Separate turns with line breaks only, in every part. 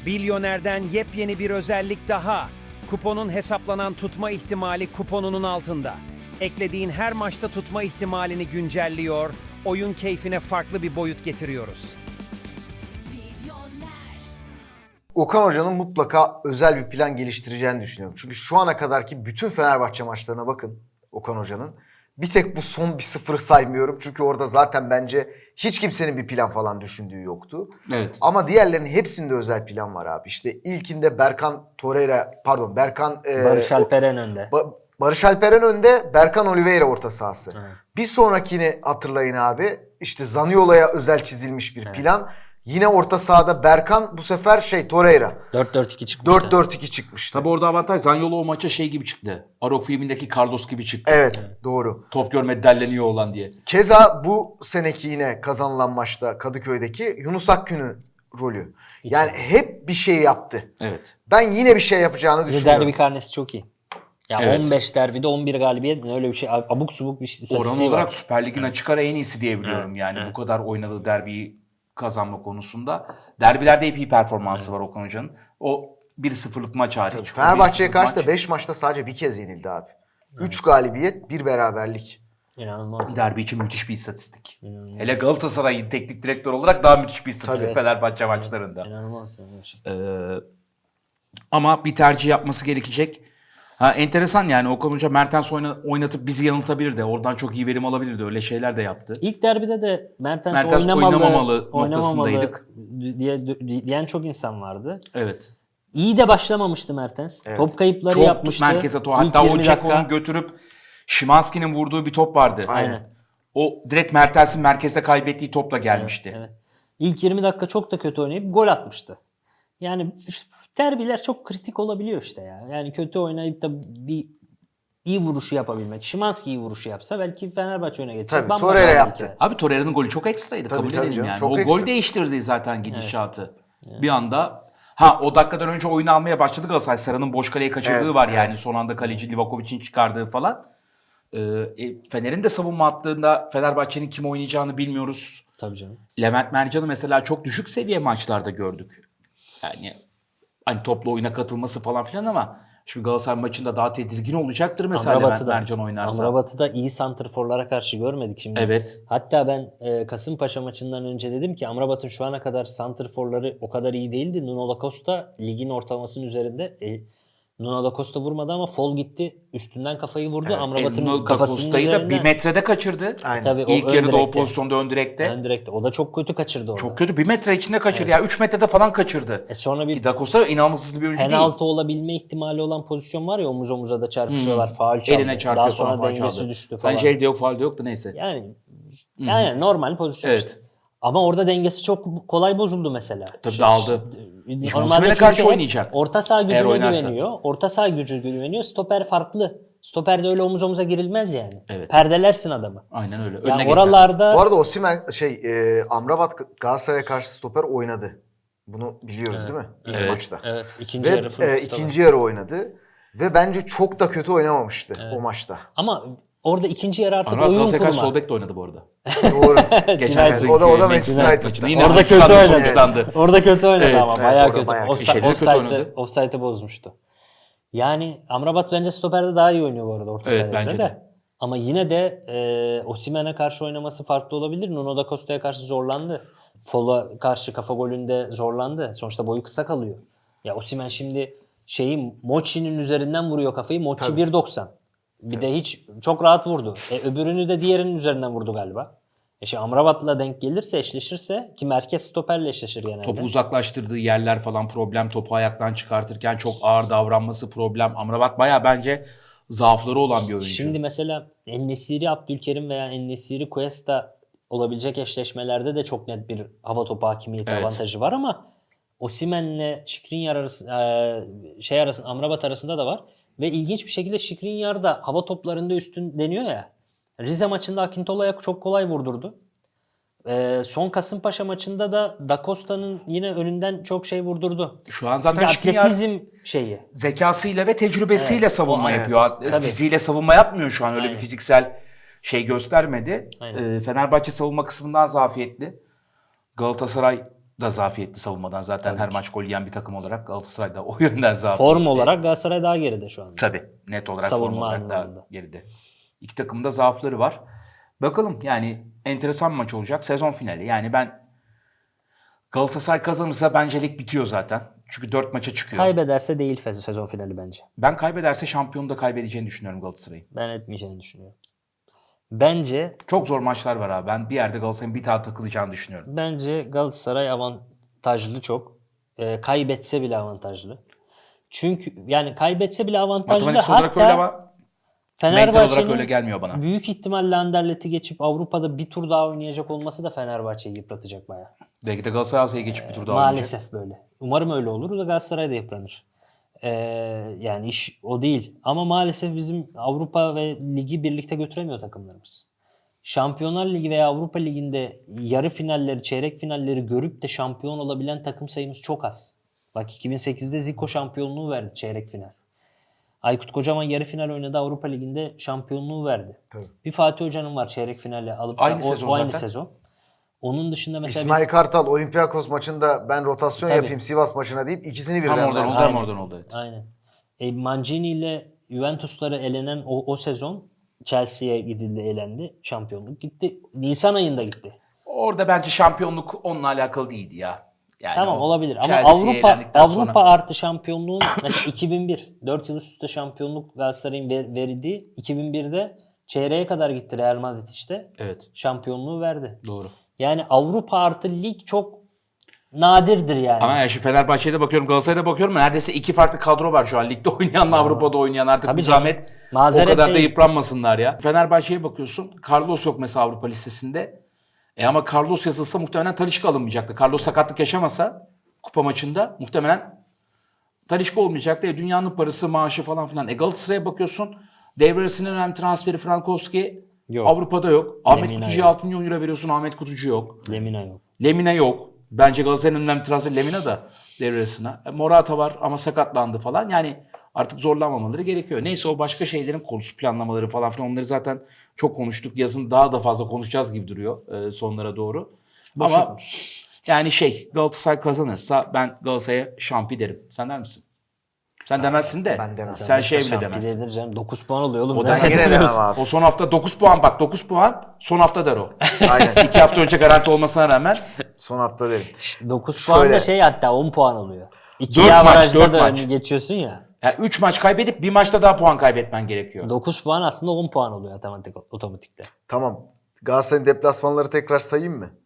Bilyoner'den yepyeni bir özellik daha. Kuponun hesaplanan tutma ihtimali kuponunun altında. Eklediğin her maçta tutma ihtimalini güncelliyor, oyun keyfine farklı bir boyut getiriyoruz.
Okan Hoca'nın mutlaka özel bir plan geliştireceğini düşünüyorum. Çünkü şu ana kadarki bütün Fenerbahçe maçlarına bakın Okan Hoca'nın. Bir tek bu son 1-0'ı saymıyorum. Çünkü orada zaten bence hiç kimsenin bir plan falan düşündüğü yoktu.
Evet.
Ama diğerlerinin hepsinde özel plan var abi. İşte ilkinde
Barış Alperen önde.
Barış Alperen önde, Berkan Oliveira orta sahası.
Evet.
Bir sonrakini hatırlayın abi. İşte Zaniolo'ya özel çizilmiş bir plan. Yine orta sahada Berkan, bu sefer Torreira.
4-4-2 çıkmıştı.
4-4-2 çıkmıştı.
Tabi orada avantaj Zaniolo o maça şey gibi çıktı. Arok filmindeki Carlos gibi çıktı.
Evet, doğru.
Top görmedi delleniyor olan diye.
Keza bu seneki yine kazanılan maçta Kadıköy'deki Yunus Akgün'ün rolü. Yani hep bir şey yaptı.
Evet.
Ben yine bir şey yapacağını
Bir
düşünüyorum.
derbi karnesi çok iyi. Ya
Evet.
15 derbide 11 galibiyet öyle bir şey. Abuk subuk bir istatistiği
Oran
var.
olarak Süper Lig'in açık ara en iyisi diyebiliyorum.
Evet,
Yani
evet.
bu kadar oynadığı derbiyi kazanma konusunda. Derbilerde hep iyi performansı var Okan Hoca'nın. O 1-0'lık maç hariç.
Fenerbahçe'ye
O 1-0'lık
karşı da
maç,
5 maçta sadece bir kez yenildi abi. 3 galibiyet, 1 beraberlik.
İnanılmaz.
derbi için müthiş bir istatistik. Hele Galatasaray'ın teknik direktör olarak daha müthiş bir istatistik
Tabii.
Fenerbahçe maçlarında.
İnanılmaz. Yani.
Ama bir tercih yapması gerekecek. Enteresan yani Okan Hoca Mertens oynatıp bizi yanıltabilirdi. Oradan çok iyi verim alabilirdi. Öyle şeyler de yaptı.
İlk derbide de Mertens
oynamamalı noktasındaydık.
diyen çok insan vardı.
Evet.
İyi de başlamamıştı Mertens.
Evet.
Top kayıpları
Çok
yapmıştı.
merkeze
İlk
hatta o
20
Ceko'nun
dakika.
götürüp Szymański'nin vurduğu bir top vardı.
Aynen.
O direkt Mertens'in merkezde kaybettiği topla gelmişti.
Evet. İlk 20 dakika çok da kötü oynayıp gol atmıştı. Yani derbiler çok kritik olabiliyor işte ya. Yani kötü oynayıp da bir iyi vuruşu yapabilmek. Szymański iyi vuruşu yapsa belki Fenerbahçe öne getirir.
Tabii,
Bambaşka
Torreira
bir
yaptı.
hikaye.
Abi Torreira'nın golü çok ekstraydı.
Tabii,
Kabul
tabii
edelim
canım,
yani.
çok
O
ekstra.
gol değiştirdi zaten gidişatı. Bir anda o dakikadan önce oyunu almaya başladı Galatasaray. Sarı'nın boş kaleyi kaçırdığı
Evet,
var yani.
evet.
Son anda kaleci Livakovic'in çıkardığı falan. Fener'in de savunma attığında Fenerbahçe'nin kim oynayacağını bilmiyoruz.
Tabii canım.
Levent Mercan'ı mesela çok düşük seviye maçlarda gördük. Yani hani toplu oyuna katılması falan filan ama şimdi Galatasaray maçında daha tedirgin olacaktır mesela Levent Mercan oynarsa.
Amrabat'ı iyi santrforlara karşı görmedik şimdi.
Evet.
Hatta ben Kasımpaşa maçından önce dedim ki Amrabat'ın şu ana kadar santrforları o kadar iyi değildi. Nuno da Costa ligin ortalamasının üzerinde. Nuno da Costa vurmadı ama Fol gitti. Üstünden kafayı vurdu. Amrabat'ın
Nuno da
kafasının
Costa'yı da
üzerinde.
1 metrede kaçırdı.
Aynen.
Tabii, o
İlk
ön
yarıda o
direkte.
pozisyonda ön direkte.
Ön direkte. O da çok kötü kaçırdı orada.
Çok kötü. 1 metre içinde kaçırdı. Ya 3 metrede falan kaçırdı.
Sonra bir
Ki Da Costa inanılmaz hızlı bir oyuncu değil.
penaltı olabilme ihtimali olan pozisyon var ya, omuz omuza da çarpışıyorlar. Faul çaldı.
Eline çarpıyor
Daha sonra
falan, faul
dengesi
çaldı.
düştü falan.
Bence elde yok, faul de yok da neyse.
Yani normal pozisyon
Evet.
işte. Ama orada dengesi çok kolay bozuldu mesela.
Tabii dağıldı.
Normalde
Osimhen'e
çünkü
karşı
hep
oynayacak.
Orta saha
Eğer
gücüne
oynarsa.
güveniyor. Orta saha gücü güveniyor. Stoper farklı. Stoperde öyle omuz omuza girilmez yani.
Evet.
Perdelersin adamı.
Aynen öyle. Önüne
Yani
geçer.
oralarda
Bu arada Osimhen Amrabat Galatasaray'a karşı stoper oynadı. Bunu biliyoruz değil mi? İlk
Evet.
maçta.
evet, ikinci yarı full
Ve
stoper.
ikinci yarı oynadı. Ve bence çok da kötü oynamamıştı o maçta.
Ama orada ikinci yarı artık
Anadolu
oyun
Galatasaray karşı
kurma.
sol bek de oynadı bu arada.
Doğru.
Geçen
Evet,
sezonki
o da Manchester
Manchester
United'da.
maçında yine
Orada kötü
Hırvatistan'da
oynadı.
sonuçlandı.
Orada kötü oynadı
Evet,
ama
evet,
bayağı
orada
kötü.
bayağı kötü.
Şeyleri kötü oynadı.
Offside'ı bozmuştu. Yani Amrabat bence stoperde daha iyi oynuyor bu arada orta
Evet,
sahada
bence
da.
de.
Ama yine de Osimhen'e karşı oynaması farklı olabilir. Nuno da Costa'ya karşı zorlandı. Fol'a karşı kafa golünde zorlandı. Sonuçta boyu kısa kalıyor. Ya Osimhen şimdi Mochi'nin üzerinden vuruyor kafayı. Mochi 1.90. Bir de hiç çok rahat vurdu. Öbürünü de diğerinin üzerinden vurdu galiba. Şimdi Amrabat'la denk gelirse, eşleşirse ki merkez stoperle eşleşir genelde.
Topu uzaklaştırdığı yerler falan problem. Topu ayaktan çıkartırken çok ağır davranması problem. Amrabat bayağı bence zaafları olan bir oyuncu.
Şimdi mesela En-Nesyri Abdülkerim veya En-Nesyri Cuesta olabilecek eşleşmelerde de çok net bir hava topu hakimiyeti
Evet.
avantajı var ama Osimhen'le Skriniar arasında, Amrabat arasında da var. Ve ilginç bir şekilde Skriniar da hava toplarında üstün deniyor ya. Rize maçında Akintola'ya çok kolay vurdurdu. Son Kasımpaşa maçında da Da Costa'nın yine önünden çok şey vurdurdu.
Şu an zaten
Çünkü
Skriniar
atletizm şeyi.
zekasıyla ve tecrübesiyle savunma
Evet.
yapıyor.
Tabii.
Fiziğiyle savunma yapmıyor şu an. Öyle
Aynen.
bir fiziksel şey göstermedi.
Aynen.
Fenerbahçe savunma kısmından zafiyetli. Galatasaray da zafiyetli savunmadan. Zaten her maç gol yiyen bir takım olarak Galatasaray da o yönden zafiyetli.
Form olarak Galatasaray daha geride şu anda.
Tabii. Net olarak
Savunma
form olarak
anlamında.
daha geride. İki takımın da zaafları var. Bakalım yani enteresan bir maç olacak. Sezon finali. Yani ben Galatasaray kazanırsa bence lig bitiyor zaten. Çünkü 4 maça çıkıyor.
Kaybederse değil sezon finali bence.
Ben kaybederse şampiyonu da kaybedeceğini düşünüyorum Galatasaray'ın.
Ben etmeyeceğini düşünüyorum. Bence
Çok zor maçlar var abi. Ben bir yerde Galatasaray'ın bir daha takılacağını düşünüyorum.
Galatasaray avantajlı çok. Kaybetse bile avantajlı. Çünkü yani kaybetse bile avantajlı.
Matematiksel olarak öyle ama mental olarak
Fenerbahçe'nin
öyle gelmiyor bana.
büyük ihtimalle Anderlet'i geçip Avrupa'da bir tur daha oynayacak olması da Fenerbahçe'yi yıpratacak bayağı.
Belki de Galatasaray Asya'ya geçip bir tur daha oynayacak.
Maalesef böyle. Umarım öyle olur da Galatasaray da yıpranır. Yani iş o değil. Ama maalesef bizim Avrupa ve Ligi birlikte götüremiyor takımlarımız. Şampiyonlar Ligi veya Avrupa Ligi'nde yarı finalleri, çeyrek finalleri görüp de şampiyon olabilen takım sayımız çok az. Bak 2008'de Zico şampiyonluğu verdi çeyrek final. Aykut Kocaman yarı final oynadı, Avrupa Ligi'nde şampiyonluğu verdi.
Tabii.
Bir Fatih Hoca'nın var çeyrek finali alıp
Aynı
o
sezon
aynı
zaten.
sezon. Onun dışında mesela
İsmail Kartal Olympiakos maçında ben rotasyon
Tabii.
yapayım Sivas maçına deyip ikisini
Tam
birden
oradan
verdi.
oldu, tam oradan oldu. Evet.
Aynen. Mancini ile Juventus'lara elenen o sezon Chelsea'ye gidildi, elendi. Şampiyonluk gitti. Nisan ayında gitti.
Orada bence şampiyonluk onunla alakalı değildi ya. Yani
Tamam
o
olabilir ama
Chelsea'ye elendikten sonra-
Avrupa artı şampiyonluğun mesela 2001 4 yıl üst üste şampiyonluk Galatasaray'ın verildiği 2001'de çeyreğe kadar gitti Real Madrid işte.
Evet.
Şampiyonluğu verdi.
Doğru.
Yani Avrupa artı lig çok nadirdir yani.
Ama ya şu Fenerbahçe'ye de bakıyorum, Galatasaray'a da bakıyorum. Neredeyse iki farklı kadro var şu an. Ligde oynayanla Avrupa'da oynayan. Artık
Tabii
bir
canım.
zahmet
Mazeret
o kadar da
değil.
yıpranmasınlar ya. Fenerbahçe'ye bakıyorsun. Carlos yok mesela Avrupa listesinde. Ama Carlos yazılsa muhtemelen Talisca alınmayacaktı. Carlos sakatlık yaşamasa kupa maçında muhtemelen Talisca olmayacaktı. Dünyanın parası, maaşı falan filan. Galatasaray'a bakıyorsun. Devre arasının önemli transferi Frankowski
Yok.
Avrupa'da yok. Ahmet
Lemina
Kutucu'ya
yok.
6 milyon euro veriyorsun. Ahmet Kutucu yok.
Lemina yok.
Lemina yok. Bence Galatasaray'ın önemli transferi Lemina da devre arasına. Morata var ama sakatlandı falan. Yani artık zorlanmamaları gerekiyor. Neyse o başka şeylerin konusu, planlamaları falan filan, onları zaten çok konuştuk. Yazın daha da fazla konuşacağız gibi duruyor sonlara doğru. Ama yani Galatasaray kazanırsa ben Galatasaray'a şampi derim. Sen der misin? Sen demezsin de.
Ben demem.
Sen bile
Şampiyon
demezsin.
denir canım. 9 puan oluyor oğlum.
O da
Ben yine demem abi.
O son hafta 9 puan bak, 9 puan son hafta der o.
Aynen.
2 hafta önce garanti olmasına rağmen
Son hafta derim.
9 puan da
Şöyle.
hatta 10 puan oluyor.
4
İkili
maç,
avarajda
4
da
maç.
önü geçiyorsun ya.
yani 3 maç kaybedip bir maçta daha puan kaybetmen gerekiyor.
9 puan aslında 10 puan oluyor otomatikte.
Tamam. Galatasaray'ın deplasmanları tekrar sayayım mı?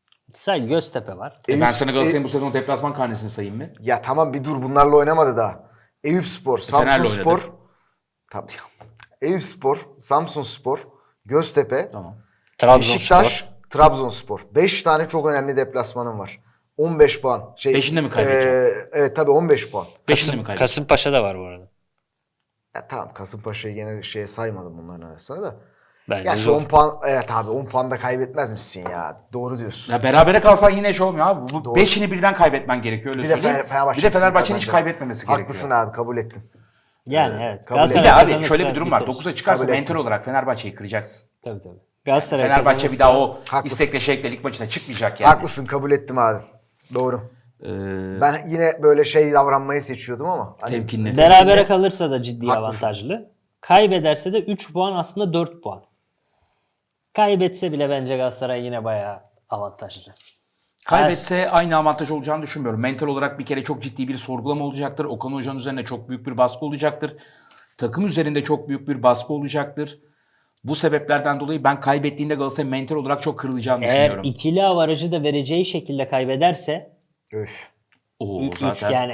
Say Göztepe var.
Ben sana Galatasaray'ın bu sezon deplasman karnesini sayayım mı?
Ya tamam bir dur, bunlarla oynamadı daha. Eyüpspor,
Fener'le
Samsunspor.
oynadı.
Tabii. Eyüpspor, Samsunspor, Göztepe,
Tamam.
Beşiktaş, Trabzonspor. 5 tane çok önemli deplasmanım var. 15 puan.
Beşinde mi kaybedeceğim?
Evet tabii 15 puan.
5'inde mi kaybettin?
Kasımpaşa da var bu arada.
Ya tamam, Kasımpaşa'yı gene saymadım bunların arasına da.
Bence
Ya şu 10 puan, evet abi 10 puan da kaybetmez misin ya? Doğru diyorsun.
Ya berabere kalsan yine olmuyor abi. Bu
Doğru.
5'ini birden kaybetmen gerekiyor öyle
Bir de
söyleyeyim.
Fenerbahçe
Bir de Fenerbahçe'nin hiç
kazanacak.
kaybetmemesi
Haklısın
gerekiyor.
abi, kabul ettim.
Yani evet.
kabul
Bir de
Galatasaray
abi
kazanırsa
şöyle bir durum var.
biteriz.
9'a çıkarsa
Kabul
mental
ettim.
olarak Fenerbahçe'yi kıracaksın.
Tabii tabii. Galatasaray
Fenerbahçe bir
kazanırsa-
daha o
Haklısın.
istekle lig maçına çıkmayacak yani.
Haklısın, kabul ettim abi. Doğru. Ben yine böyle davranmayı seçiyordum ama. Hani
Temkinli.
Berabere kalırsa da ciddi
Haklısın.
avantajlı. Kaybederse de 3 puan aslında 4 puan. Kaybetse bile bence Galatasaray yine bayağı avantajlı.
Kaybetse aynı avantaj olacağını düşünmüyorum. Mental olarak bir kere çok ciddi bir sorgulama olacaktır. Okan Hoca'nın üzerine çok büyük bir baskı olacaktır. Takım üzerinde çok büyük bir baskı olacaktır. Bu sebeplerden dolayı ben kaybettiğinde Galatasaray mental olarak çok kırılacağını
Eğer
düşünüyorum.
ikili avarajı da vereceği şekilde kaybederse
Öf.
Oo,
üç,
zaten
yani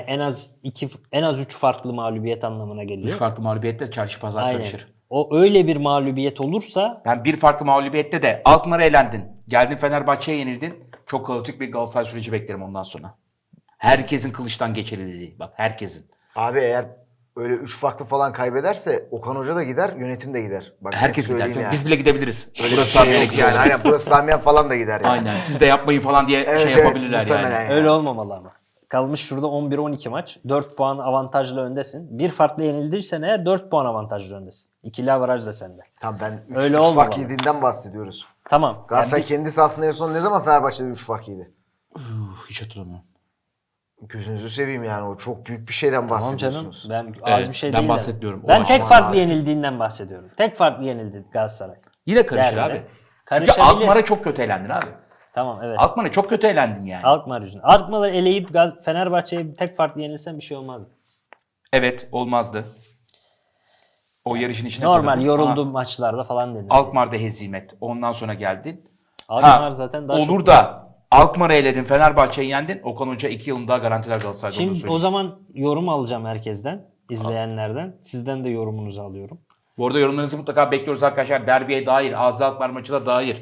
en az 3 farklı mağlubiyet anlamına geliyor.
3 farklı mağlubiyette çarşı pazar
Aynen.
karışır.
O öyle bir mağlubiyet olursa
Ben bir farklı mağlubiyette de Alkmaar'a elendin. Geldin Fenerbahçe'ye yenildin. Çok kaotik bir Galatasaray süreci beklerim ondan sonra. Herkesin kılıçtan geçirildiği. Bak herkesin.
Abi eğer öyle 3 farklı falan kaybederse Okan Hoca da gider, yönetim de gider. Bak,
Herkes
net
gider.
söyleyeyim
canım.
yani.
Biz bile gidebiliriz.
Öyle
Burası
bir şey
Samiye'ye
yok
gidiyor.
yani. Aynen, burası Samiyen falan da gider yani.
Aynen. Siz de yapmayın falan diye
Evet, evet,
yapabilirler
muhtemelen
yani.
yani.
öyle olmamalı ama. Kalmış şurada 11-12 maç. 4 puan avantajlı öndesin. Bir farklı yenildiysen eğer 4 puan avantajlı öndesin. İkili avaraj da sende.
Tamam, ben 3
Öyle
fark
olmamalı.
yediğinden bahsediyoruz.
Tamam.
Galatasaray
Yani
kendisi aslında en son ne zaman Fenerbahçe'de 3 fark yedi?
Hiç hatırlamıyorum.
Gözünüzü seveyim yani, o çok büyük bir şeyden
Tamam canım.
bahsediyorsunuz.
Ben
Evet,
az bir şey
ben
değil.
bahsetmiyorum. O
Ben
aşama
tek farklı
abi.
yenildiğinden bahsediyorum. Tek farklı yenildi Galatasaray.
Yine karışır
Derbide.
abi. Çünkü
Karışabilir.
Alkmaar'a çok kötü eğlendin abi.
Tamam evet.
Alkmaar'a çok kötü eğlendin yani.
Alkmaar yüzünden. Alkmaar'ı eleyip Fenerbahçe'ye tek farklı yenilsen bir şey olmazdı.
Evet, olmazdı. O yarışın içine
Normal
koydum.
yorulduğum maçlarda falan denir.
Alkmaar'da hezimet. Ondan sonra geldin.
Alkmaar zaten daha
olur
çok...
da Alkmaar'ı eledin, Fenerbahçe'yi yendin. Okan Hoca 2 yılın daha garantiler Galatasaray'da, onu
Şimdi
söyleyeyim.
o zaman yorum alacağım herkesten, izleyenlerden. Sizden de yorumunuzu alıyorum.
Bu arada yorumlarınızı mutlaka bekliyoruz arkadaşlar. Derbiye dair, Ağzı Alkmaar maçına dair.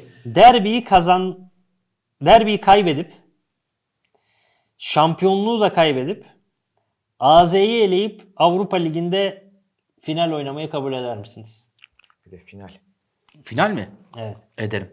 Derbiyi kaybedip, şampiyonluğu da kaybedip, AZ'yi eleyip Avrupa Ligi'nde final oynamayı kabul eder misiniz?
Bir de final.
Final mi?
Evet.
Ederim.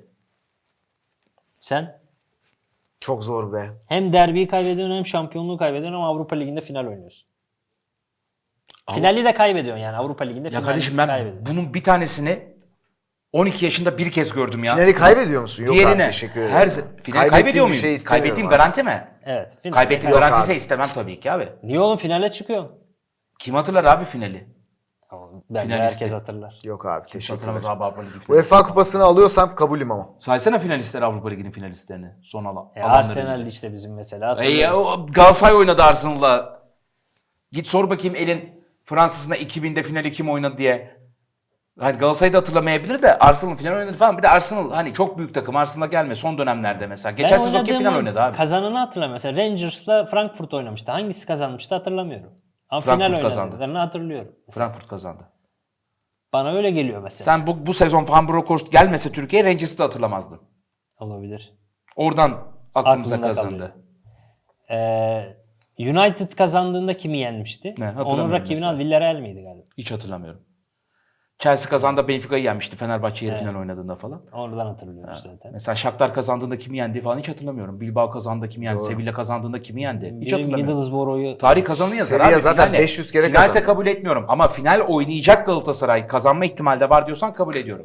Sen
Çok zor be.
hem derbiyi kaybediyorsun hem şampiyonluğu kaybediyorsun ama Avrupa Ligi'nde final oynuyorsun. Finali de kaybediyorsun yani Avrupa Ligi'nde
Ya
finali
kardeşim ben
kaybediyorsun.
bunun bir tanesini 12 yaşında bir kez gördüm ya.
Finali kaybediyor musun? Yok abi,
Diğerine
teşekkür ederim.
finali
Kaybettiğim
kaybediyor
bir
muyum?
şey istemiyorum
Kaybettiğim
abi.
garanti mi?
Evet. Final.
Kaybettiğim
Yok
garanti ise
abi.
istemem tabii ki abi.
Niye oğlum finale çıkıyorsun?
Kim hatırlar abi finali?
Bence
Finalisti.
herkes hatırlar.
Yok abi,
Kimse
teşekkür
hatırlamaz
ederim.
abi Avrupa Ligi finali.
UEFA kupasını alıyorsam kabulüm ama.
Saysana finalistler Avrupa Ligi'nin finalistlerini. Son alanları.
Arsenal işte bizim mesela hatırlıyoruz.
O Galatasaray oynadı Arsenal'la. Git sor bakayım elin Fransız'ına 2000'de finali kim oynadı diye. Hani Galatasaray'da hatırlamayabilir de Arsenal final oynadı falan. Bir de Arsenal hani çok büyük takım. Arsenal'a gelme son dönemlerde mesela. Geçen sezon kim final oynadı abi?
Kazananı hatırlamıyorum. Mesela Rangers'la Frankfurt oynamıştı. Hangisi kazanmıştı hatırlamıyorum. Ama
Frankfurt
final
kazandı.
oynadıklarını hatırlıyorum.
Frankfurt kazandı.
Bana öyle geliyor mesela.
Sen bu sezon Van Bronckhorst gelmese Türkiye'ye Rangers'ı da hatırlamazdın.
Olabilir.
Oradan aklımıza
Aklımda
kazandı.
kalıyor. United kazandığında kimi yenmişti?
Ne, hatırlamıyorum
Onun rakibini
mesela.
al. Villarreal miydi galiba?
Hiç hatırlamıyorum. Chelsea kazandı, Benfica'yı yenmişti Fenerbahçe yarı final oynadığında falan.
Oradan hatırlıyoruz zaten.
Mesela Shakhtar kazandığında kimi yendi falan hiç hatırlamıyorum. Bilbao kazandığında kimi yendi, Sevilla kazandığında kimi yendi hiç
Benim
hatırlamıyorum.
Middlesbrough'u
Tarih kazanı yazar
Sevilla
abi.
zaten
Finale.
500 kere
Finalse
kazandı.
kabul etmiyorum ama final oynayacak Galatasaray kazanma ihtimali de var diyorsan kabul ediyorum.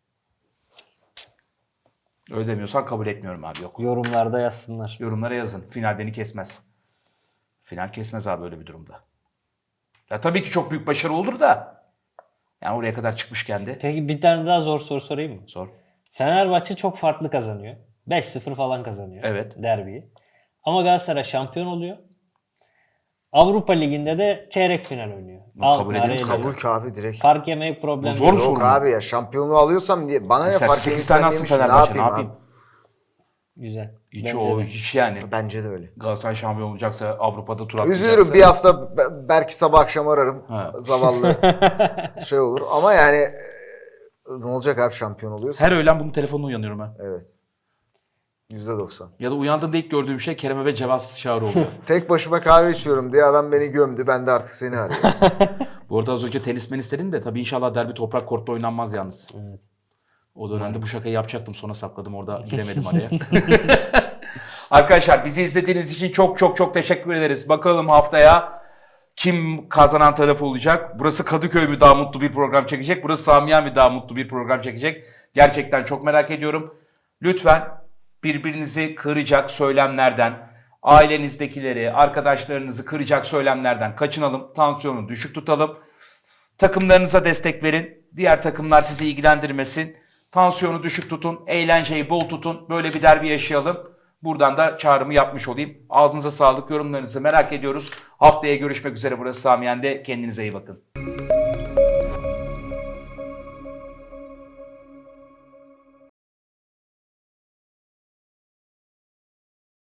Öyle demiyorsan kabul etmiyorum abi, yok.
yorumlarda yazsınlar.
Yorumlara yazın. Final beni kesmez. Final kesmez abi öyle bir durumda. Ya tabii ki çok büyük başarı olur da. Yani oraya kadar çıkmışken de.
Peki bir tane daha zor soru sorayım mı?
Sor.
Fenerbahçe çok farklı kazanıyor. 5-0 falan kazanıyor.
Evet.
Derbiyi. Ama Galatasaray şampiyon oluyor. Avrupa Ligi'nde de çeyrek final oynuyor.
kabul
Alkmaar'ı
edelim,
eliyor.
Kabul ki abi, direkt.
Fark yemeyi problem
Bu zor
değil.
mu?
Yok
sorun
abi ya, şampiyonluğu alıyorsam diye bana ne
Mesela
fark
8
etsen
tane alsın
yemişim,
Fenerbahçe, ne
abi?
yapayım?
Güzel.
Hiç
Bence
o
de.
hiç yani.
Bence de öyle.
Galatasaray şampiyon olacaksa, Avrupa'da tur atlayacaksa.
Üzülürüm, bir hafta belki sabah akşam ararım.
Ha.
Zavallı şey olur ama yani ne olacak abi şampiyon oluyorsa?
Her öğlen bunun telefonuna uyanıyorum ben.
Evet. %90.
Ya da uyandığımda ilk gördüğüm şey Kerem'e ve cevapsız çağrı oluyor.
Tek başıma kahve içiyorum diye adam beni gömdü. Ben de artık seni arıyorum.
Bu arada az önce tenismen istedin de tabii inşallah derbi toprak kortta oynanmaz yalnız.
Evet.
O dönemde bu şakayı yapacaktım, sonra sakladım, orada giremedim araya. Arkadaşlar bizi izlediğiniz için çok çok çok teşekkür ederiz. Bakalım haftaya kim kazanan tarafı olacak? Burası Kadıköy mü daha mutlu bir program çekecek? Burası Samiye mi daha mutlu bir program çekecek? Gerçekten çok merak ediyorum. Lütfen birbirinizi kıracak söylemlerden, ailenizdekileri, arkadaşlarınızı kıracak söylemlerden kaçınalım. Tansiyonu düşük tutalım. Takımlarınıza destek verin. Diğer takımlar sizi ilgilendirmesin. Tansiyonu düşük tutun. Eğlenceyi bol tutun. Böyle bir derbi yaşayalım. Buradan da çağrımı yapmış olayım. Ağzınıza sağlık. Yorumlarınızı merak ediyoruz. Haftaya görüşmek üzere. Burası Samiyen'de. Kendinize iyi bakın.